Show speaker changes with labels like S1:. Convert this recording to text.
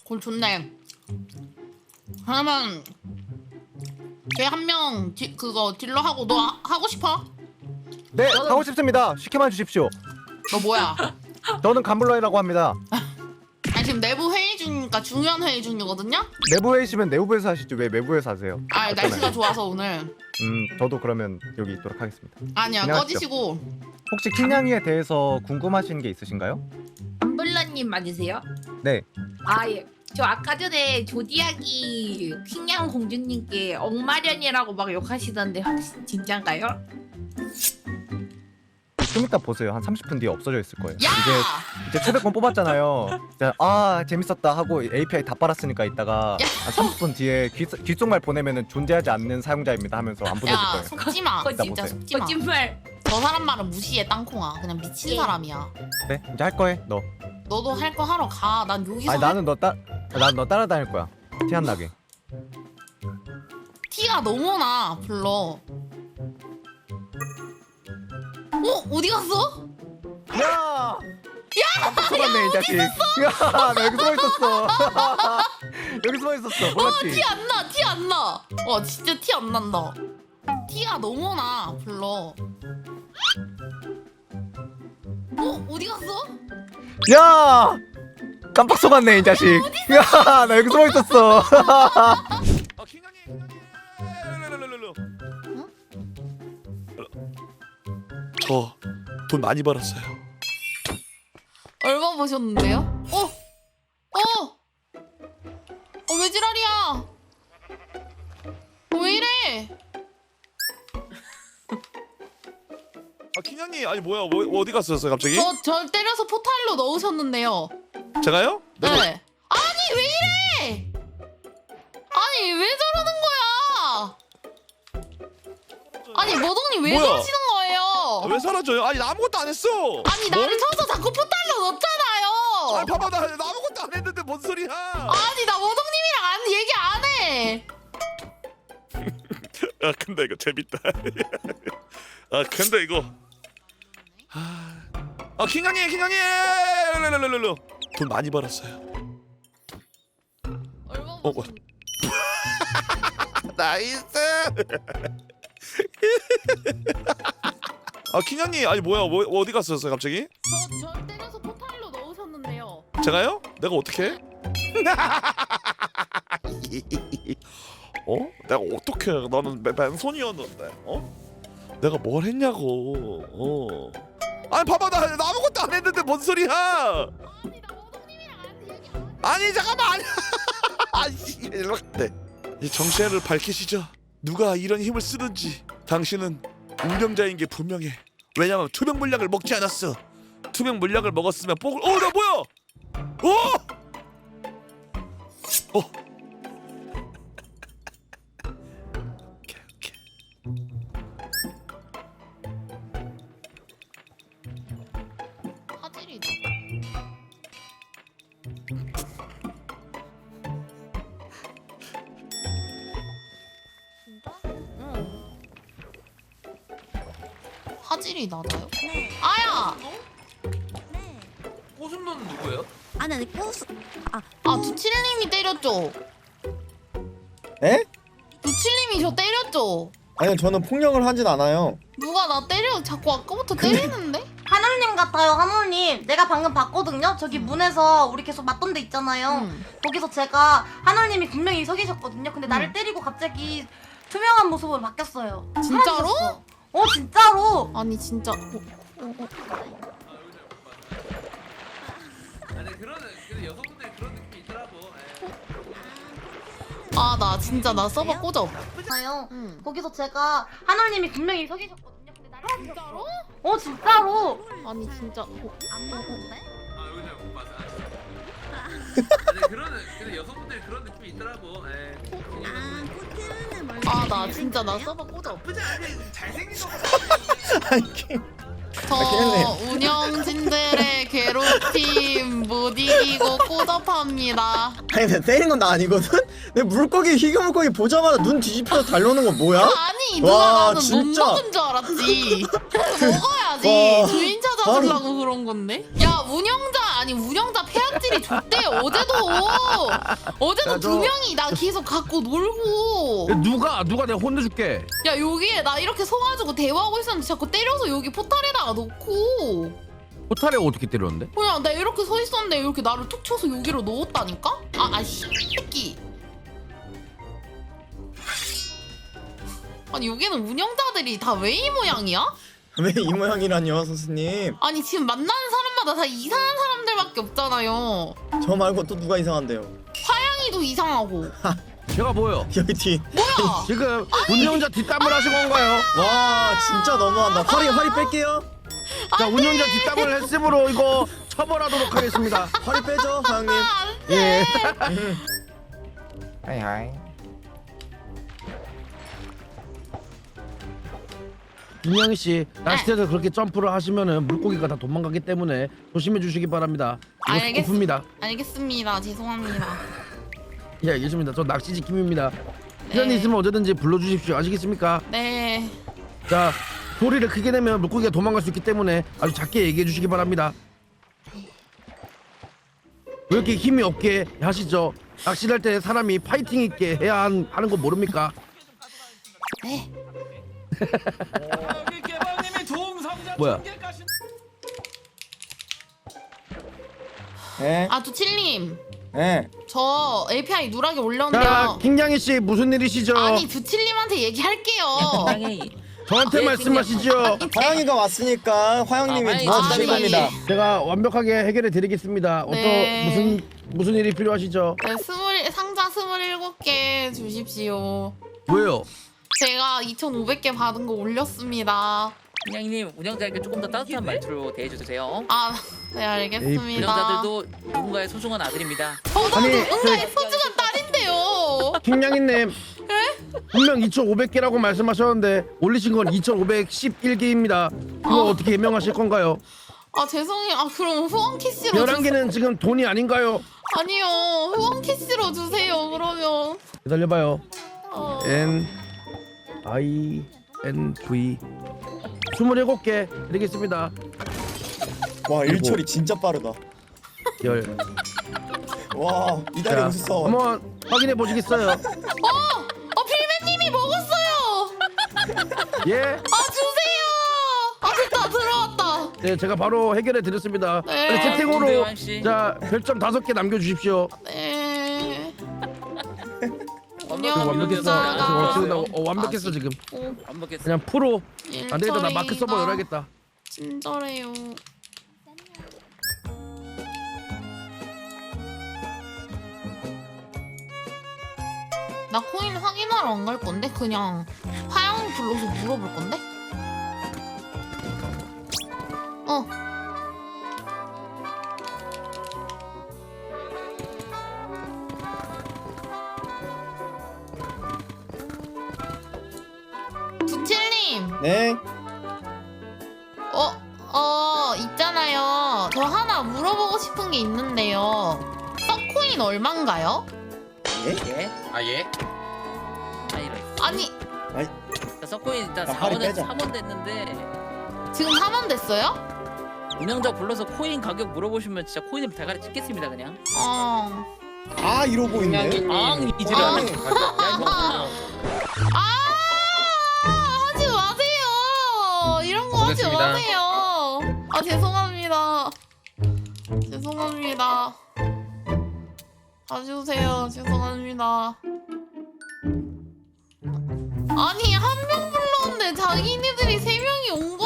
S1: 골 좋네. 그러면 걔 한 명 그거 딜러 하고 너 하고 싶어?
S2: 네, 하고 싶습니다. 시켜만 주십시오.
S1: 너 뭐야?
S2: 저는 감블러이라고 합니다.
S1: 아니 지금 내부 회의 중이니까 중요한 회의 중이거든요?
S2: 내부 회의시면 내부에서 하시죠. 왜 외부에서 하세요?
S1: 아 날씨가 좋아서 오늘.
S2: 저도 그러면 여기 있도록 하겠습니다.
S1: 아니야
S2: 그냥
S1: 꺼지시고.
S2: 혹시 킹냥이에 대해서 궁금하신 게 있으신가요?
S3: 암블러님 맞으세요?
S2: 네.
S3: 아 예. 저 아까 전에 조디악이 킹냥 공주님께 억마련이라고 막 욕하시던데 혹시 진짠가요?
S2: 좀 이따 보세요. 한 30분 뒤에 없어져 있을 거예요.
S1: 야!
S2: 이제 초대권 뽑았잖아요. 이제 재밌었다 하고 API 다 빨았으니까 이따가 한 30분 뒤에 귓속말 보내면은 존재하지 않는 사용자입니다 하면서 안 보내줄
S1: 야
S2: 거예요.
S1: 속지 마.
S3: 거짓-
S1: 진짜 속지 마.
S3: 거짓말.
S1: 저 사람 말은 무시해 땅콩아. 그냥 미친
S3: 예.
S1: 사람이야.
S2: 네, 이제 할 거해. 너.
S1: 너도 할 거 하러 가. 난 여기서
S2: 아니 나는 너 따라다닐 거야. 티 안 나게.
S1: 티가 너무 나. 불러. 어디 갔어?
S2: 야! 깜짝 속았네 이 자식. 야, 나 여기 숨어 있었어. 여기 숨어 있었어. 몰랐지?
S1: 티 안 나. 티 안 나. 진짜 티 안 난다. 티가 너무 나. 불러. 어디 갔어?
S2: 야! 깜빡 속았네 이 자식. 야, 나 여기 숨어 있었어.
S4: 저 돈 많이 벌었어요.
S1: 얼마 버셨는데요? 왜 지랄이야? 왜 이래?
S4: 킹냥님 아니 뭐야 어디 갔었어요 갑자기?
S1: 저 때려서 포탈로 넣으셨는데요.
S4: 제가요?
S1: 네.
S4: 내가
S1: 아니 왜 이래? 아니 왜 저러는 거야? 아니 머동님 왜
S4: 뭐야?
S1: 그러시는 거예요?
S4: 왜 사라져요? 아니 나 아무것도 안 했어.
S1: 아니 나를 쳐서 자꾸 포탈로 넣었잖아요.
S4: 아니 봐봐 나 아무것도 안 했는데 뭔 소리야?
S1: 아니 나 머동님이랑 얘기 안 해.
S4: 아 근데 이거 재밌다. 아 근데 이거 킹냥님 돈 많이 벌었어요.
S1: 얼마
S4: 뭐.
S1: 버셨?
S4: 나이스. 킹냥님 아니 뭐야 어디 갔었어요 갑자기?
S1: 저 때려서 포탈로 넣으셨는데요.
S4: 제가요? 내가 어떻게 해? 내가 어떻게 해? 나는 맨손이었는데 내가 뭘 했냐고 아니 봐봐 나 아무것도 안 했는데 뭔 소리야?
S1: 아니 나 머동님이랑 얘기 안 해.
S4: 아니 잠깐만 아니 아씨 일로 네. 이 정체를 밝히시죠. 누가 이런 힘을 쓰는지. 당신은 운영자인 게 분명해. 왜냐면 투명 물약을 먹지 않았어. 투명 물약을 먹었으면 뽕을 나 뭐야? 오케이.
S1: 화질이다. 진짜? 응. 화질이 낮아요?
S5: 네.
S1: 아야!
S5: 네.
S6: 꼬순노는 누구예요?
S5: 아니 아니 꼬수
S1: 두칠님이 때렸죠?
S7: 에?
S1: 두칠님이 저 때렸죠?
S7: 아니요 저는 폭력을 하진 않아요.
S1: 누가 나 때려 자꾸 아까부터 때리는데?
S8: 하늘님 같아요, 하늘님. 내가 방금 봤거든요. 저기 문에서 우리 계속 맞던 데 있잖아요.
S1: 응.
S8: 거기서 제가 하늘님이 분명히 서 계셨거든요. 근데 나를 때리고 갑자기 투명한 모습으로 바뀌었어요.
S1: 진짜로?
S8: 사라지셨어. 진짜로.
S1: 아니 진짜
S6: 아니 근데 여성분들이 그런 느낌이 있더라고.
S1: 나 진짜 나 서버 꽂아.
S8: 아요.
S1: 응.
S8: 거기서 제가 하늘님이 분명히 서 계셨거든요. 근데 나를
S1: 진짜로?
S8: 진짜로.
S1: 아니 진짜
S5: 안 봤는데?
S6: 아 여기 잘 못 봤어. 아니 근데 여성분들이 그런 느낌이 있더라고.
S5: 코트는 뭘
S1: 나 진짜 나 서버 꽂아.
S6: 나쁘지 않게 잘생긴 거.
S7: 아니
S1: 저 운영진들의 괴롭힘 못 이기고 꼬잡합니다.
S7: 아니 내가 때린 건 나 아니거든? 내 물고기 희귀물고기 보자마자 눈 뒤집혀서 달려오는 거 뭐야?
S1: 아니 누가
S7: 와,
S1: 나는
S7: 진짜.
S1: 못 먹은 줄 알았지. 먹어야지.
S7: 와.
S1: 주인 찾아주려고 그런 건데. 야 운영자 아니 운영자 폐악질이 좆대요. 어제도
S9: 야,
S1: 두 명이 나 계속 갖고 놀고.
S9: 누가 내가 혼내줄게.
S1: 야 여기에 나 이렇게 서가지고 대화하고 있었는데 자꾸 때려서 여기 포탈에다가 놓고.
S9: 포탈에 어떻게 때렸는데?
S1: 그냥 나 이렇게 서 있었는데 이렇게 나를 툭 쳐서 여기로 넣었다니까? 아씨 새끼. 아니 여기는 운영자들이 다 왜 이 모양이야?
S7: 왜 이 모양이라뇨 선생님?
S1: 아니 지금 만나는 사람마다 다 이상한 사람들밖에 없잖아요.
S7: 저 말고 또 누가 이상한데요?
S1: 화양이도 이상하고.
S9: 제가 뭐요?
S7: 여기 뒤.
S1: 뭐야?
S9: 지금 운영자 뒷담을 하신 건가요?
S7: 와 진짜 너무한다. 허리 뺄게요.
S9: 자, 운영자 뒷담을 했으므로 이거 처벌하도록 하겠습니다.
S7: 허리 빼죠 사장님.
S9: 예.
S2: 하이.
S9: 김양희 씨, 낚시대에서 그렇게 점프를 하시면은 물고기가 다 도망가기 때문에 조심해 주시기 바랍니다. 이거 스코프입니다.
S1: 알겠습니다. 죄송합니다.
S9: 예, 알겠습니다. 저 낚시지 김입니다.
S1: 네.
S9: 시간이 있으면 언제든지 불러주십시오. 아시겠습니까?
S1: 네.
S9: 자, 소리를 크게 내면 물고기가 도망갈 수 있기 때문에 아주 작게 얘기해 주시기 바랍니다. 왜 이렇게 힘이 없게 하시죠? 낚시할 때 사람이 파이팅 있게 해야 하는 거 모릅니까?
S1: 네.
S6: 여기 개방님이 도움 상자
S9: 뭐야?
S7: 네.
S1: 두칠님.
S7: 네.
S1: 저 API 누락에
S9: 자,
S1: 올렸는데요.
S9: 김양희 씨 무슨 일이시죠?
S1: 아니 두칠님한테 얘기할게요.
S9: 저한테 말씀하시죠.
S7: 화영이가 왔으니까 화영님이 도와주실 겁니다.
S9: 제가 완벽하게 해결해 드리겠습니다.
S1: 네.
S9: 무슨 일이 필요하시죠?
S1: 네, 상자 27개 주십시오.
S9: 왜요?
S1: 제가 2,500개 받은 거 올렸습니다.
S10: 운영님, 운영자에게 조금 더 따뜻한 말투로 대해주세요.
S1: 네 알겠습니다.
S10: 운영자들도 누군가의 소중한 아들입니다.
S1: 저도
S9: 아니,
S1: 누군가의 소중한 딸인데요.
S9: 김양희님 분명 2,500개라고 말씀하셨는데 올리신 건 2,511개입니다. 이거 어떻게 해명하실 건가요?
S1: 죄송해요. 그럼 후원 캐시로
S9: 11개는 지금 돈이 아닌가요?
S1: 아니요. 후원 캐시로 주세요. 그러면.
S9: 기다려봐요. NINV 27개 드리겠습니다.
S7: 와 일처리 진짜 빠르다.
S9: 열.
S7: 와 이달에
S9: 자,
S7: 웃어.
S9: 한번 확인해 보시겠어요?
S1: 필맨님이 먹었어요.
S9: 예?
S1: 주세요. 됐다. 들어왔다.
S9: 네, 제가 바로 해결해 드렸습니다.
S1: 네.
S9: 빨리 채팅으로
S10: 황 씨.
S9: 자 별점 5개 남겨주십시오.
S1: 네.
S9: 완벽했어. 완벽했어 지금.
S10: 완벽했어.
S9: 그냥 프로. 안 되겠다. 나 마크 서버 열어야겠다.
S1: 친절해요. 나 코인 확인하러 안 갈 건데 그냥 화영 불러서 물어볼 건데. 두칠님.
S7: 네.
S1: 있잖아요. 저 하나 물어보고 싶은 게 있는데요. 서코인 얼만가요?
S10: 예?
S6: 예?
S10: 이런.
S1: 아니
S10: 자, 서코인 일단
S7: 야, 화리
S10: 4원
S7: 빼자.
S10: 3원 됐는데
S1: 지금 4만 됐어요?
S10: 운영자 불러서 코인 가격 물어보시면 진짜 코인을 대가리 찍겠습니다 그냥.
S7: 아 이러고 있네.
S10: 이지랄.
S1: 하지 마세요. 이런 거 하지
S6: 알겠습니다.
S1: 마세요. 죄송합니다. 죄송합니다. 봐주세요. 죄송합니다. 아니 한 명 불렀는데 자기네들이 3명이 온